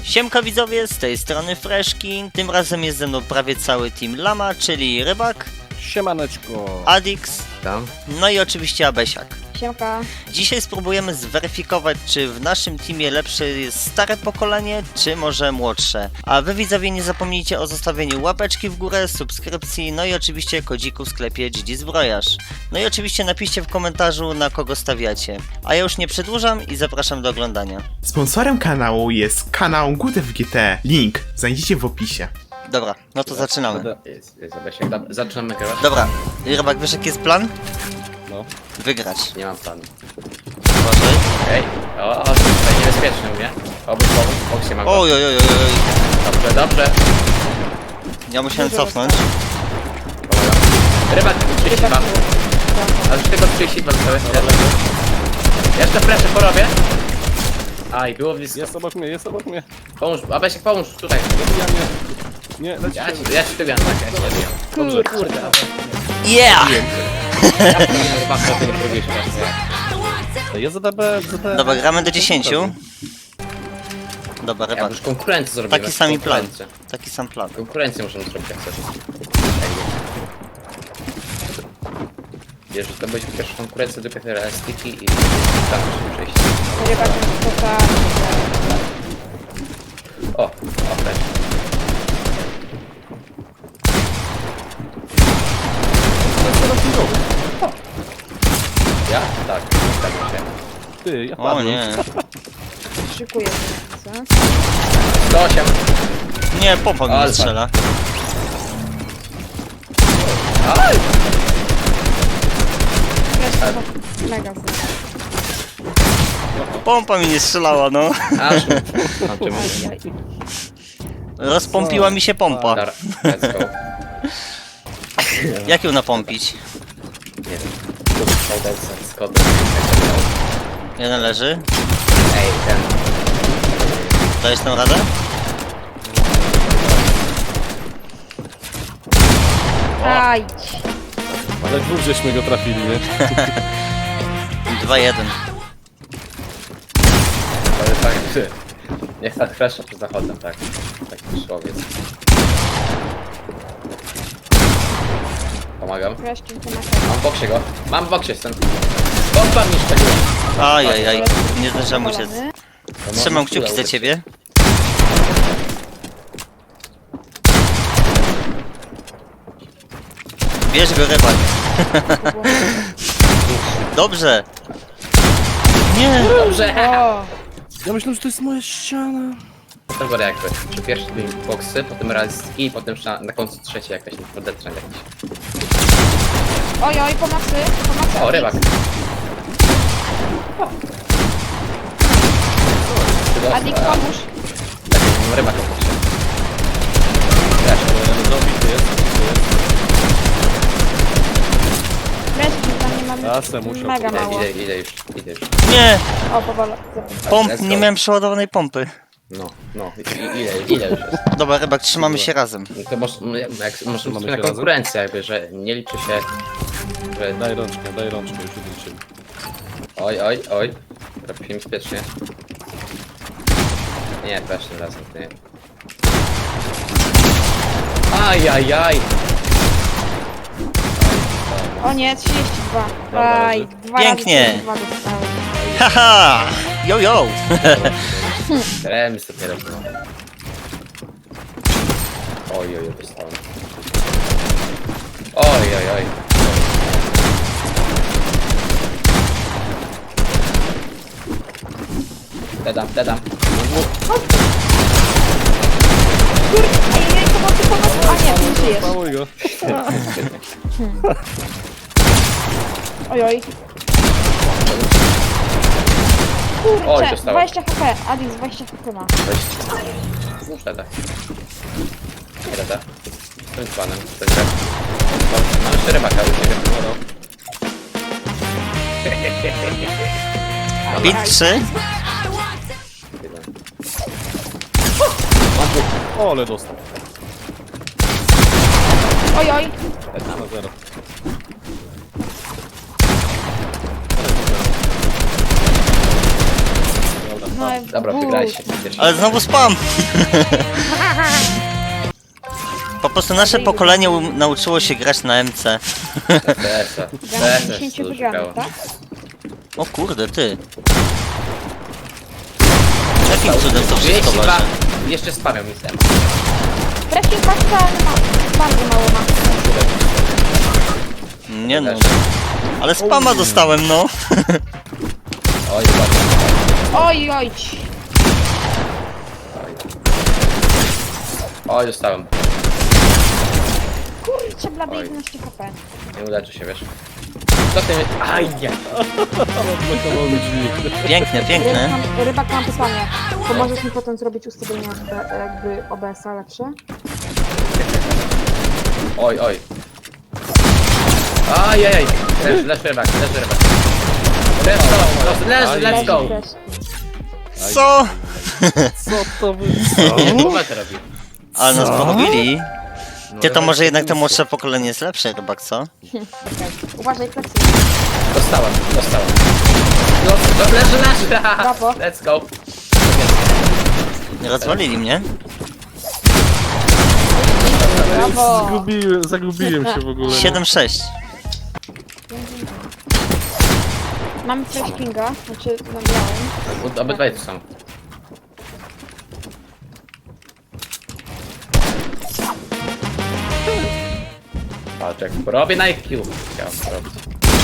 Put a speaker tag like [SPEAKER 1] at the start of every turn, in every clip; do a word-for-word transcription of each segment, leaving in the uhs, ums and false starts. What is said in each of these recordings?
[SPEAKER 1] Siemka widzowie, z tej strony Freshki. Tym razem jest ze mną prawie cały team Lama, czyli Rybak,
[SPEAKER 2] Siemaneczko,
[SPEAKER 1] Adix,
[SPEAKER 3] Tam?
[SPEAKER 1] no i oczywiście Abesiak.
[SPEAKER 4] Siemka.
[SPEAKER 1] Dzisiaj spróbujemy zweryfikować, czy w naszym teamie lepsze jest stare pokolenie, czy może młodsze. A wy widzowie nie zapomnijcie o zostawieniu łapeczki w górę, subskrypcji, no i oczywiście kodziku w sklepie G D Zbrojarz. No i oczywiście napiszcie w komentarzu, na kogo stawiacie. A ja już nie przedłużam i zapraszam do oglądania.
[SPEAKER 5] Sponsorem kanału jest kanał Good F G T. Link znajdziecie w opisie.
[SPEAKER 1] Dobra, no to zaczynamy.
[SPEAKER 3] Jest, jest, Abesiak. Dobra, zaczynamy grać.
[SPEAKER 1] Dobra, Rybak, wiesz jaki jest plan?
[SPEAKER 2] no.
[SPEAKER 1] Wygrać.
[SPEAKER 3] Nie mam planu.
[SPEAKER 1] Uważaj.
[SPEAKER 3] Ej, o, o, to tutaj niebezpieczny u mnie. Obóz, obóz, boksie mam go.
[SPEAKER 1] Oj, oj, oj, oj, oj.
[SPEAKER 3] Dobrze, dobrze.
[SPEAKER 1] Ja musiałem cofnąć.
[SPEAKER 3] Pomagam. Rybak, trzydzieści dwa. A już tylko trzydzieści dwa zostały. Jeszcze preszę porobię. Aj, było blisko.
[SPEAKER 2] Jest obok mnie, jest obok mnie.
[SPEAKER 3] Pomóż, Abesiak, pomóż, tutaj.
[SPEAKER 2] Dobija mnie. Nie, leci
[SPEAKER 3] Ja
[SPEAKER 2] się.
[SPEAKER 3] ci, ja ci tu wiem, tak, ja ci wiem.
[SPEAKER 2] Dobrze.
[SPEAKER 3] Kurde,
[SPEAKER 1] Yeah!
[SPEAKER 3] Rybak, to ty nie próbujesz teraz.
[SPEAKER 2] Jest Z D B, Z D B.
[SPEAKER 1] Dobra, gramy do dziesięciu. Dobra,
[SPEAKER 3] Ja
[SPEAKER 1] Rybak.
[SPEAKER 3] już konkurencję zrobimy.
[SPEAKER 1] Taki sam plan.
[SPEAKER 3] Konkurencję.
[SPEAKER 1] Taki sam plan.
[SPEAKER 3] Konkurencję możemy zrobić jak chcesz. Wiesz, że to będzie pierwsza konkurencja do P F R Sticky i tam musimy przejść.
[SPEAKER 4] Rybak jest taka...
[SPEAKER 3] O, okej. Ja? Tak, zgadzam się.
[SPEAKER 2] Ty, ja
[SPEAKER 1] O
[SPEAKER 2] padłem.
[SPEAKER 1] nie.
[SPEAKER 4] Szykuję się.
[SPEAKER 3] sto osiem.
[SPEAKER 1] Nie, pompa mi nie
[SPEAKER 3] Alfa.
[SPEAKER 1] strzela.
[SPEAKER 3] Aj!
[SPEAKER 4] Wiesz, mega są.
[SPEAKER 1] Pompa mi nie strzelała, no.
[SPEAKER 3] Aż. Mam czym.
[SPEAKER 4] Ajaj.
[SPEAKER 1] Rozpompiła mi się pompa.
[SPEAKER 3] Dobra, let's go.
[SPEAKER 1] Jak ją napompić?
[SPEAKER 3] Nie wiem. Tu dostał ten z kodem.
[SPEAKER 1] Jeden leży.
[SPEAKER 3] Ej, ten.
[SPEAKER 1] Dajesz tam radę?
[SPEAKER 4] Aj.
[SPEAKER 2] Ale dwóch żeśmy go trafili, nie?
[SPEAKER 1] dwa jeden.
[SPEAKER 3] Ale tak, że... Niech tak fresha przed zachodem, tak. Taki człowiek. Pomagam.
[SPEAKER 4] Wreszcie to na
[SPEAKER 3] Mam w boksie go. Mam w boksie, jestem. Bomba mi szczeliła.
[SPEAKER 1] Ajajaj, nie zdążyłem uciec. Trzymam kciuki za ciebie. Bierz go, Rybak. Dobrze. Nie.
[SPEAKER 3] Dobrze.
[SPEAKER 4] O,
[SPEAKER 2] Ja myślałem, że to jest moja ściana.
[SPEAKER 3] Dobra, jakby. Czy pierwsze dwie boksy, potem realistyki i potem na, na końcu trzecie jakaś podetrzeń jakiś.
[SPEAKER 4] oj, oj, pomocy, pomocy.
[SPEAKER 3] O, rybak.
[SPEAKER 4] Adik, pomóż.
[SPEAKER 3] Tak, mam rybaka w boksie. Też.
[SPEAKER 2] Dobity jest.
[SPEAKER 4] Wreszcie, tam nie mamy
[SPEAKER 2] Ja se muszę.
[SPEAKER 4] mega
[SPEAKER 3] Idę,
[SPEAKER 4] mało.
[SPEAKER 3] idę, idę już, idę już.
[SPEAKER 1] Nie.
[SPEAKER 4] O, powoli.
[SPEAKER 1] Pomp,
[SPEAKER 3] Let's
[SPEAKER 1] nie
[SPEAKER 3] go.
[SPEAKER 1] miałem przeładowanej pompy.
[SPEAKER 3] No, no, i- i- ile, ile już jest?
[SPEAKER 1] Dobra, Rybak, trzymamy się razem.
[SPEAKER 3] No to może, no, jak, możemy
[SPEAKER 2] Mamy
[SPEAKER 3] na
[SPEAKER 2] się
[SPEAKER 3] konkurencję jakby, że nie liczy się, że...
[SPEAKER 2] Daj rączkę, daj rączkę, już odliczymy.
[SPEAKER 3] Oj, oj, oj. Robimy bezpiecznie. Nie, też tym razem, nie. Ajajaj!
[SPEAKER 4] O nie, trzydzieści dwa.
[SPEAKER 2] Dobra,
[SPEAKER 4] Aj,
[SPEAKER 2] leży.
[SPEAKER 4] dwa
[SPEAKER 1] Pięknie.
[SPEAKER 4] razy dwa dostałem.
[SPEAKER 1] Haha! Yo, yo!
[SPEAKER 3] Remis dopiero było. Oj, oj, oj, dostałem. Oj, oj, oj. Dedam, dedam.
[SPEAKER 4] Ej, ej, pomocy, pomocy. A nie, ty nie żyjesz.
[SPEAKER 2] Pałuj go.
[SPEAKER 4] Oj, oj.
[SPEAKER 3] Oj,
[SPEAKER 4] Kurczę,
[SPEAKER 3] dostałem.
[SPEAKER 4] dwadzieścia H P. Adik, dwadzieścia H P ma.
[SPEAKER 3] Weź. Deda. Nie deda. Jestem z panem. To jest tak. Mam jeszcze rybaka u ciebie.
[SPEAKER 1] Bit trzy.
[SPEAKER 2] O, ale dostał.
[SPEAKER 4] Oj, oj.
[SPEAKER 2] Na zero.
[SPEAKER 4] No,
[SPEAKER 3] Dobra, wygraliście.
[SPEAKER 1] Ale znowu spam! Po prostu nasze pokolenie um- nauczyło się grać na M C.
[SPEAKER 4] Gramy dziesięciu wygranych, tak?
[SPEAKER 1] O kurde, ty. Jakim cudem to wszystko
[SPEAKER 3] trzydzieści dwa.
[SPEAKER 1] wasze?
[SPEAKER 3] Jeszcze spamią mi sem.
[SPEAKER 4] Wreszcie patrzę, ale ma. Bardzo mało ma.
[SPEAKER 1] Nie no. Ale spama dostałem, no.
[SPEAKER 3] Oj, dobra.
[SPEAKER 4] Oj, oj.
[SPEAKER 3] Oj, dostałem.
[SPEAKER 4] Kurczę, blady
[SPEAKER 3] Oj.
[SPEAKER 4] jedenaście H P.
[SPEAKER 3] Nie uleczy się, wiesz. Co ty mi... Aj, nie.
[SPEAKER 2] Odblokował mi drzwi.
[SPEAKER 1] Piękne, piękne.
[SPEAKER 4] Rybak, rybak, mam pytanie. Pomożesz mi potem zrobić ustawienia B- jakby O B S-a lepsze?
[SPEAKER 3] Oj, oj. Ajajaj. Leż, leż rybak, leż rybak. Let's go, leż, let's go.
[SPEAKER 4] Też.
[SPEAKER 1] Co?
[SPEAKER 2] Co to wy...
[SPEAKER 3] Gumę to robi.
[SPEAKER 1] Ale nas porobili. Ty to
[SPEAKER 3] No,
[SPEAKER 1] może jednak to młodsze pokolenie jest lepsze, rybak, co?
[SPEAKER 4] Okej. Uważaj, plecy.
[SPEAKER 3] Dostałem, dostałem. No, no leży, leży.
[SPEAKER 4] Brawo.
[SPEAKER 3] Let's go.
[SPEAKER 1] Nie rozwalili mnie?
[SPEAKER 4] Brawo.
[SPEAKER 2] Zgubiłem, zagubiłem się w ogóle.
[SPEAKER 1] siedem sześć.
[SPEAKER 4] Mamy coś pinga, znaczy na białym.
[SPEAKER 3] Obydwaj tu są. Patrz jak robię na I Q. Chciałem robić.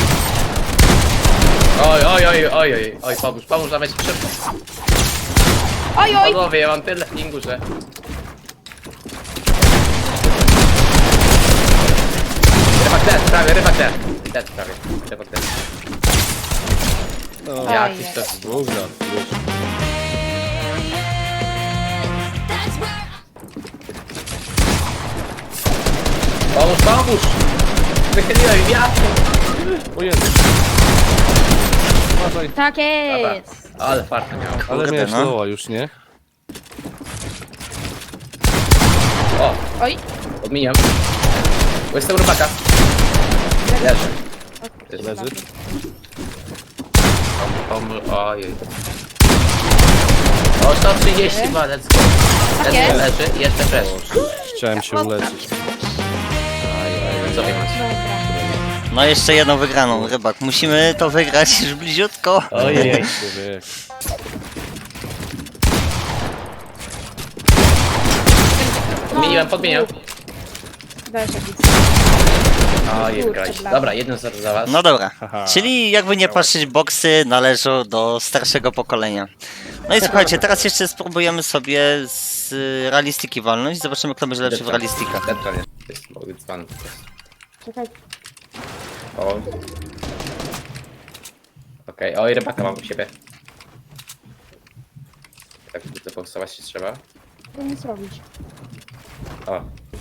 [SPEAKER 3] Oj, oj, oj, oj, oj, oj, pomóż, pomóż nawet szybko.
[SPEAKER 4] Oj, oj.
[SPEAKER 3] Panowie, ja mam tyle pingu, że... Rybak dead, prawie, rybak dead. Dead prawie, rybak dead.
[SPEAKER 2] No,
[SPEAKER 3] Jakiś
[SPEAKER 4] Ojej.
[SPEAKER 3] to...
[SPEAKER 2] Dwóch lat, wiesz.
[SPEAKER 3] Pomóż, pomóż! Wychyliłem wiatr!
[SPEAKER 2] O Jezu. Uważaj.
[SPEAKER 4] Tak
[SPEAKER 3] Dobra,
[SPEAKER 4] jest.
[SPEAKER 3] ale farta miałem.
[SPEAKER 2] Ale
[SPEAKER 1] Kurde,
[SPEAKER 2] miałeś
[SPEAKER 1] no.
[SPEAKER 2] loa już, nie?
[SPEAKER 3] O,
[SPEAKER 4] Oj.
[SPEAKER 3] odminiam. Bo jestem rybaka. Leży.
[SPEAKER 2] Leży.
[SPEAKER 3] Pomóż, ojej. O, sto trzydzieści dwa, let's go.
[SPEAKER 4] Tak
[SPEAKER 3] Leży,
[SPEAKER 4] jest.
[SPEAKER 3] leży, jeszcze fresh.
[SPEAKER 2] Chciałem się uleczyć.
[SPEAKER 3] Co wy macie?
[SPEAKER 4] Dobra.
[SPEAKER 1] No jeszcze jedną wygraną, rybak. Musimy to wygrać już bliziutko.
[SPEAKER 3] Ojej.
[SPEAKER 2] Człowiek.
[SPEAKER 3] Podmieniłem, podmieniam.
[SPEAKER 4] Dajesz jakiś.
[SPEAKER 3] Ojej,
[SPEAKER 4] Kurczę,
[SPEAKER 3] grać.
[SPEAKER 4] blady.
[SPEAKER 3] Dobra, jedno zero za was.
[SPEAKER 1] No dobra.
[SPEAKER 2] Haha.
[SPEAKER 1] Czyli jakby nie patrzeć, boksy należą do starszego pokolenia. No i słuchajcie, teraz jeszcze spróbujemy sobie z y, realistyki walnąć. Zobaczymy, kto będzie lepszy w realistikach.
[SPEAKER 3] Dead prawie. Jest dzban.
[SPEAKER 4] Czekaj.
[SPEAKER 3] O. Okej, oj, rybaka mam u siebie. Tak, to powstawać się trzeba.
[SPEAKER 4] To nic robić.
[SPEAKER 3] O.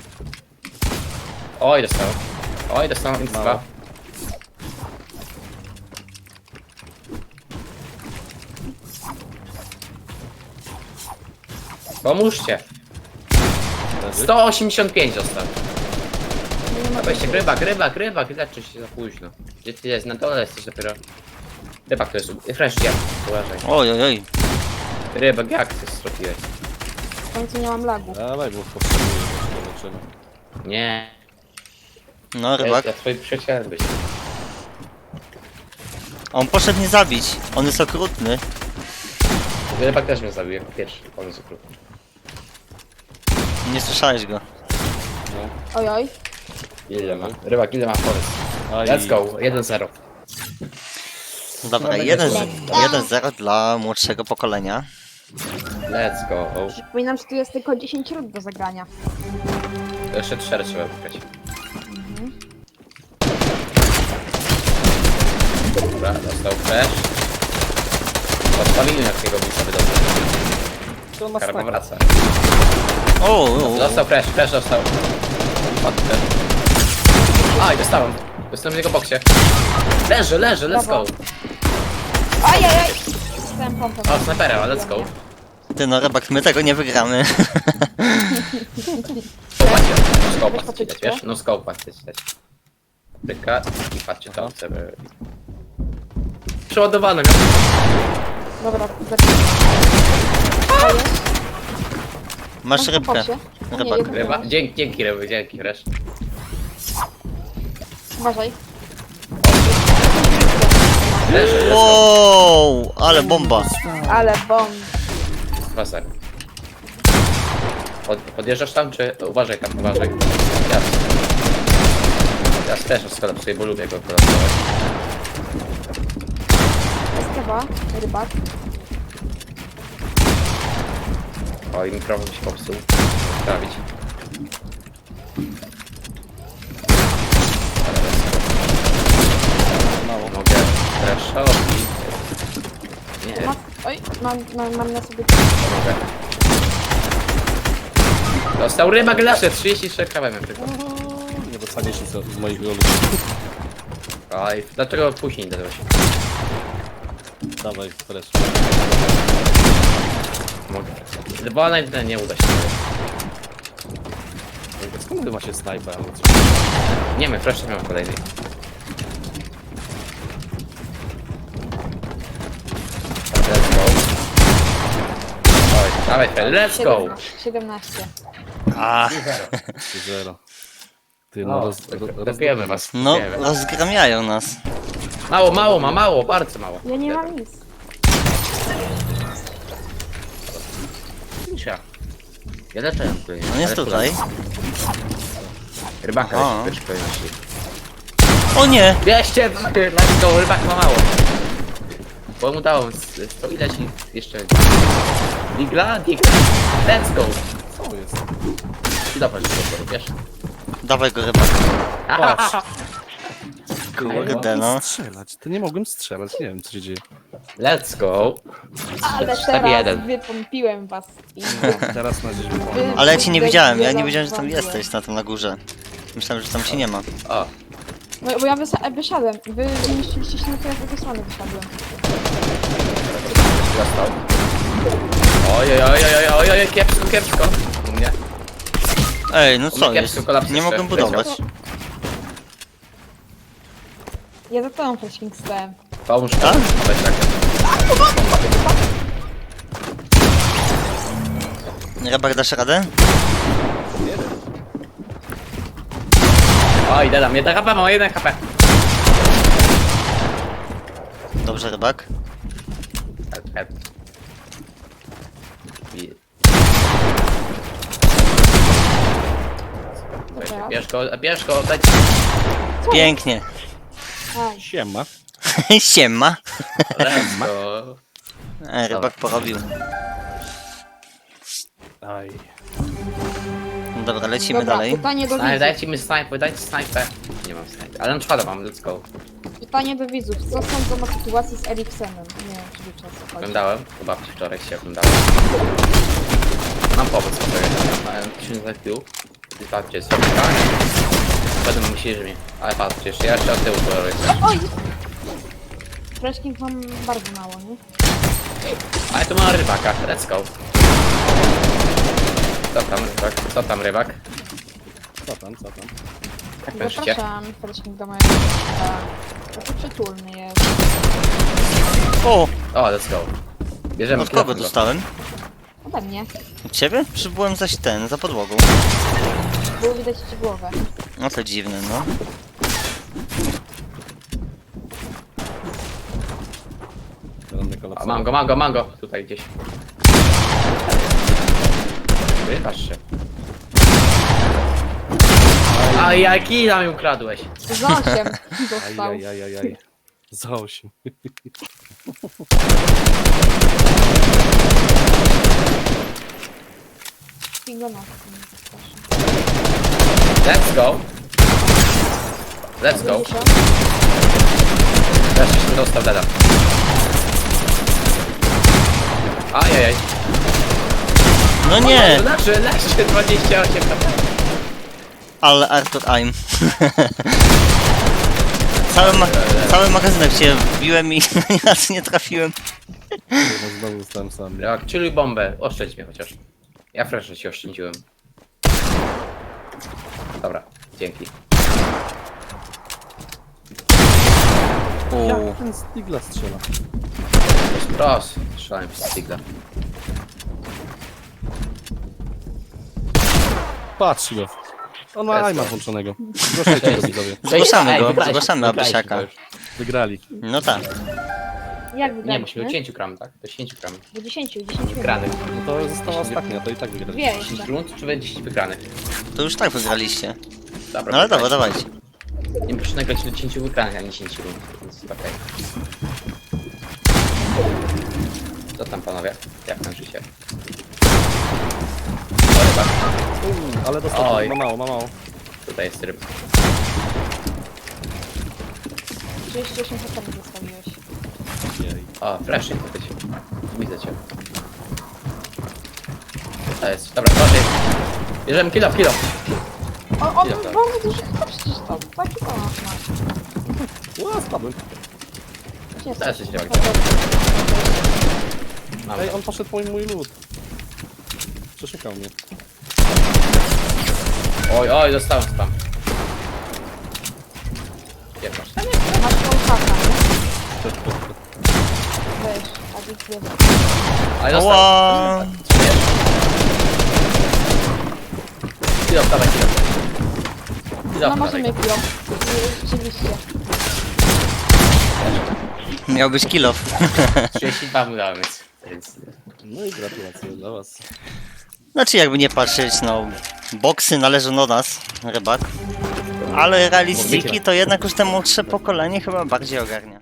[SPEAKER 3] Oj, dostałem. Oj, dostałem więc dwa. Pomóżcie! sto osiemdziesiąt pięć dostał. Weźcie, rybak, rybak, rybak, leczy się za późno. Gdzie ty jest? Na dole jesteś dopiero. Rybak to jest. Fresh, ja. Uważaj.
[SPEAKER 1] Oj, oj, oj.
[SPEAKER 3] Rybak, jak ty zrobiłeś?
[SPEAKER 4] W końcu nie mam lagu.
[SPEAKER 2] Dawaj, bo potrzebuję do leczenia.
[SPEAKER 3] Nie.
[SPEAKER 1] No,
[SPEAKER 3] Ja,
[SPEAKER 1] rybak.
[SPEAKER 3] ja twoim przyjacielem być.
[SPEAKER 1] On poszedł mnie zabić. On jest okrutny.
[SPEAKER 3] Rybak też mnie zabił jako pierwszy. On jest okrutny.
[SPEAKER 1] Nie słyszałeś go.
[SPEAKER 4] Oj, oj.
[SPEAKER 3] Ile ma? Rybak, ile ma forest?
[SPEAKER 2] Aj.
[SPEAKER 3] Let's go, jeden zero.
[SPEAKER 1] Dobra, jeden zero dla młodszego pokolenia.
[SPEAKER 3] Let's go.
[SPEAKER 4] Przypominam, że tu jest tylko dziesięć rund do zagrania.
[SPEAKER 3] To jeszcze cztery trzeba wygrać. Dobra, dostał fresh. Odpalili jakiego bisa wydobył.
[SPEAKER 2] To na
[SPEAKER 3] Karma
[SPEAKER 2] staka.
[SPEAKER 3] wraca.
[SPEAKER 1] O, o, o.
[SPEAKER 3] Dostał fresh, fresh dostał. Padł fresh. Aj, dostałem. Dostałem w jego boksie. Leży, leży, let's go.
[SPEAKER 4] Brawo. Oj, oj, oj. Dostałem pompę.
[SPEAKER 3] O, snajpera, let's go.
[SPEAKER 1] Ty no, rybak, my tego nie wygramy.
[SPEAKER 3] Patrzcie, no scope
[SPEAKER 4] Weź
[SPEAKER 3] chcecie dać,
[SPEAKER 4] patrzcie.
[SPEAKER 3] wiesz? No scope chcecie dać. Pyka i patrzcie to, chcemy... Przeładowane, miał.
[SPEAKER 4] Dobra, zacznij. Ryba jest.
[SPEAKER 1] Masz
[SPEAKER 4] Mam
[SPEAKER 1] rybkę.
[SPEAKER 4] pobosie. O nie,
[SPEAKER 1] Rybak.
[SPEAKER 4] jeden
[SPEAKER 3] Ryba,
[SPEAKER 4] masz.
[SPEAKER 3] dzięki, dzięki ryby, dzięki, resz.
[SPEAKER 4] Uważaj.
[SPEAKER 3] Resz, resz.
[SPEAKER 1] Wow, ale bomba.
[SPEAKER 4] Ale bomb.
[SPEAKER 3] Wasar. Pod, podjeżdżasz tam, czy... Uważaj tam, uważaj. Jas. Jas też skolapsuję, bo lubię go kolapsować.
[SPEAKER 4] Eskawa, rybak.
[SPEAKER 3] O, i mikrofon się popsuł. Sprawić.
[SPEAKER 2] Mało.
[SPEAKER 3] Mogę reszować. Nie,
[SPEAKER 4] Ma... Oj, mam, mam, mam na sobie...
[SPEAKER 3] mogę. Dostał rybak lesze, trzydzieści trzy H P miałem tylko.
[SPEAKER 2] Nie dostaniesz nic z moich rolów.
[SPEAKER 3] Oj, dlaczego później dodał się?
[SPEAKER 2] Dawaj, fresh.
[SPEAKER 3] Mogę. Bo ona nie, nie uda się.
[SPEAKER 2] Skąd wy macie snajper?
[SPEAKER 3] Nie wiem, proszę nie mam kolejnej. Let's go. Oj, dawaj, Fred, let's go!
[SPEAKER 4] siedemnaście.
[SPEAKER 1] A,
[SPEAKER 2] Zero. Ty,
[SPEAKER 3] No,
[SPEAKER 2] no, roz, roz, roz,
[SPEAKER 3] Dobijemy was.
[SPEAKER 1] no,
[SPEAKER 3] dobijemy.
[SPEAKER 1] rozgramiają nas.
[SPEAKER 3] Mało, mało ma, mało, bardzo mało.
[SPEAKER 4] Ja nie mam nic.
[SPEAKER 3] Misia. Ja leczę.
[SPEAKER 1] On jest tutaj.
[SPEAKER 3] Rybaka
[SPEAKER 1] Aha.
[SPEAKER 3] jest w pierwszej kolejności.
[SPEAKER 1] O nie!
[SPEAKER 3] Bierzcie, let's go, rybak ma mało. Bo mu dało, z- to ile ci jeszcze... Digla? Digla. Let's go.
[SPEAKER 2] Co jest?
[SPEAKER 3] I dobra, że to wiesz.
[SPEAKER 1] Dawaj go rybak.
[SPEAKER 3] Patrz.
[SPEAKER 1] Kurde no.
[SPEAKER 2] Strzelać, to nie mogłem strzelać, nie wiem co się dzieje.
[SPEAKER 3] Let's go.
[SPEAKER 4] Ale
[SPEAKER 3] cztery
[SPEAKER 4] teraz
[SPEAKER 3] jeden.
[SPEAKER 4] wypompiłem was. I...
[SPEAKER 2] Teraz na dziś
[SPEAKER 4] wy-
[SPEAKER 1] Ale ja cię nie widziałem, ja nie
[SPEAKER 4] wy-
[SPEAKER 1] wiedziałem, że tam
[SPEAKER 4] wy-
[SPEAKER 1] jesteś, na tym na górze. Myślałem, że tam cię nie ma.
[SPEAKER 3] O,
[SPEAKER 4] Bo, bo ja wysa- wysiadłem. Wy zniszczyliście się, to ja z drugiej strony wysiadłem.
[SPEAKER 3] dostał. Oj, oj, oj, oj, oj, oj, oj, kiepsko, kiepsko. U mnie.
[SPEAKER 1] Ej, no co
[SPEAKER 3] Kiepsko,
[SPEAKER 1] jest?
[SPEAKER 3] kolaps
[SPEAKER 1] Nie
[SPEAKER 3] jeszcze.
[SPEAKER 1] mogłem budować.
[SPEAKER 4] Ja za tobą flashing stałem.
[SPEAKER 3] Pomóż mi.
[SPEAKER 1] Tak?
[SPEAKER 3] Weź tak.
[SPEAKER 1] Rybak, dasz radę?
[SPEAKER 3] Oj, dodam, jeden H P, mam jeden H P.
[SPEAKER 1] Dobrze, rybak.
[SPEAKER 3] Help, help. I-
[SPEAKER 4] Dobra.
[SPEAKER 3] Bierz go, bierz go, daj.
[SPEAKER 1] Pięknie.
[SPEAKER 4] Aj,
[SPEAKER 2] Siema.
[SPEAKER 1] Siema.
[SPEAKER 3] Let's go.
[SPEAKER 1] Ej, rybak porobił.
[SPEAKER 2] Aj.
[SPEAKER 1] Dobra, lecimy
[SPEAKER 4] Dobra,
[SPEAKER 1] dalej.
[SPEAKER 4] pytanie do
[SPEAKER 3] Snaj,
[SPEAKER 4] widzów.
[SPEAKER 3] dajcie mi snajpę, dajcie snajpę. Nie mam snajpy, ale na czwarta mam, let's go.
[SPEAKER 4] Pytanie do widzów. Co sądzą o sytuacji z Eriksenem? Nie wiem, czy wiecie o co chodzi.
[SPEAKER 3] Oglądałem, chyba wczoraj się oglądałem. Mam pomysł, który mam tysiąc I Q. I patrzcie, jest tak. Będę myśleli, że mnie. Ale patrzcie, jeszcze ja jeszcze od tyłu kolor jestem.
[SPEAKER 4] Oj! Flashking mam bardzo mało, nie?
[SPEAKER 3] Ale tu mam rybaka, let's go. Co tam rybak? Co tam rybak?
[SPEAKER 2] Co tam, co tam?
[SPEAKER 3] Jak weszcie?
[SPEAKER 4] Zapraszam flashking do mojego miasta. Taki przytulny jest.
[SPEAKER 1] O,
[SPEAKER 3] O, let's go. Bierzemy
[SPEAKER 1] od kogo
[SPEAKER 3] telefon go.
[SPEAKER 1] dostałem?
[SPEAKER 4] Ode mnie.
[SPEAKER 1] Od ciebie? Przybyłem zaś ten, za podłogą.
[SPEAKER 4] Było widać ci głowę.
[SPEAKER 1] No to dziwne, no.
[SPEAKER 2] Żadny
[SPEAKER 3] O,
[SPEAKER 2] kolaps.
[SPEAKER 3] mam go, mam go, mam go. Tutaj gdzieś. Wypasz się. A jaki nam ją ukradłeś?
[SPEAKER 4] Za osiem dostał.
[SPEAKER 2] Ajajajajaj. Za osiem.
[SPEAKER 4] Pingona.
[SPEAKER 3] Let's go. Let's go. Teraz się dostał dada. Ajajaj.
[SPEAKER 1] No nie!
[SPEAKER 3] Leży, leży, dwadzieścia osiem.
[SPEAKER 1] Ale Arthur I'm. Cały, ma cały magazynek się wbiłem i ani razu nie trafiłem.
[SPEAKER 2] No znowu zostałem sam.
[SPEAKER 3] Jak chilluj bombę, oszczędź mnie chociaż. Ja fresh ci oszczędziłem. Dobra, dzięki.
[SPEAKER 1] Uuu.
[SPEAKER 2] Jak ten Stigla strzela?
[SPEAKER 3] Pros, strzelałem przez Sigla.
[SPEAKER 2] patrz go. On ma
[SPEAKER 3] Jest
[SPEAKER 2] aima
[SPEAKER 3] to.
[SPEAKER 2] włączonego. Zgłaszajcie go widzowie.
[SPEAKER 1] Zgłaszamy
[SPEAKER 3] Ej,
[SPEAKER 1] go,
[SPEAKER 3] wygraliśmy,
[SPEAKER 1] zgłaszamy
[SPEAKER 3] wygraliśmy
[SPEAKER 1] Abysiaka.
[SPEAKER 3] to już.
[SPEAKER 2] Wygrali.
[SPEAKER 1] No tak.
[SPEAKER 4] Jak
[SPEAKER 3] Nie,
[SPEAKER 4] wygraliśmy?
[SPEAKER 3] musimy do dziesięć gram, tak? Do dziesięć gram.
[SPEAKER 4] Do dziesięciu, dziesięciu
[SPEAKER 3] Wygranych.
[SPEAKER 2] No to została ostatnia, to i tak wygrali.
[SPEAKER 4] Dwie
[SPEAKER 3] dziesięć
[SPEAKER 4] jeszcze.
[SPEAKER 3] rund, czy będzie dziesięć wygranych?
[SPEAKER 1] To już tak wygraliście.
[SPEAKER 3] Dobra,
[SPEAKER 1] No ale dobra,
[SPEAKER 3] wygraliśmy.
[SPEAKER 1] dawajcie.
[SPEAKER 3] Nie muszę nagrać do dziesięć wygranych, a nie dziesięć rund, więc okej. Co tam panowie? Jak tam życie? O, ryba.
[SPEAKER 2] Ale dostał,
[SPEAKER 3] Oj.
[SPEAKER 2] ma mało, ma mało.
[SPEAKER 3] Tutaj jest ryb.
[SPEAKER 4] trzydzieści osiem sekund zostawiłeś.
[SPEAKER 2] Jej.
[SPEAKER 3] O, flashing to być. Widzę cię. To jest, dobra, chodź. Bierzemy kilo, kilo.
[SPEAKER 4] O, on
[SPEAKER 3] Ile to?
[SPEAKER 4] bardzo duży chyba przecież to. Taki to masz.
[SPEAKER 2] Ła, spadłem.
[SPEAKER 4] Nie
[SPEAKER 3] Teraz się działa. Mam.
[SPEAKER 2] Ej, on poszedł po mój lód. Przeszukał mnie.
[SPEAKER 3] Oj, oj, dostałem spam. Gdzie masz?
[SPEAKER 4] Masz tą haka, nie? Weź, a więc wiedzą.
[SPEAKER 3] Ale dostałem.
[SPEAKER 1] Ła!
[SPEAKER 3] Kilo, dawaj, kilo. Kilo,
[SPEAKER 4] No
[SPEAKER 3] dawaj.
[SPEAKER 4] możemy piją. Rzeczywiście.
[SPEAKER 1] Miał być kill off.
[SPEAKER 3] trzydzieści dwa mu dałem, więc... więc...
[SPEAKER 2] No i gratulacje dla was.
[SPEAKER 1] Znaczy jakby nie patrzeć, no boksy należą do nas, rybak. Ale realistyki to jednak już te młodsze pokolenie chyba bardziej ogarnia.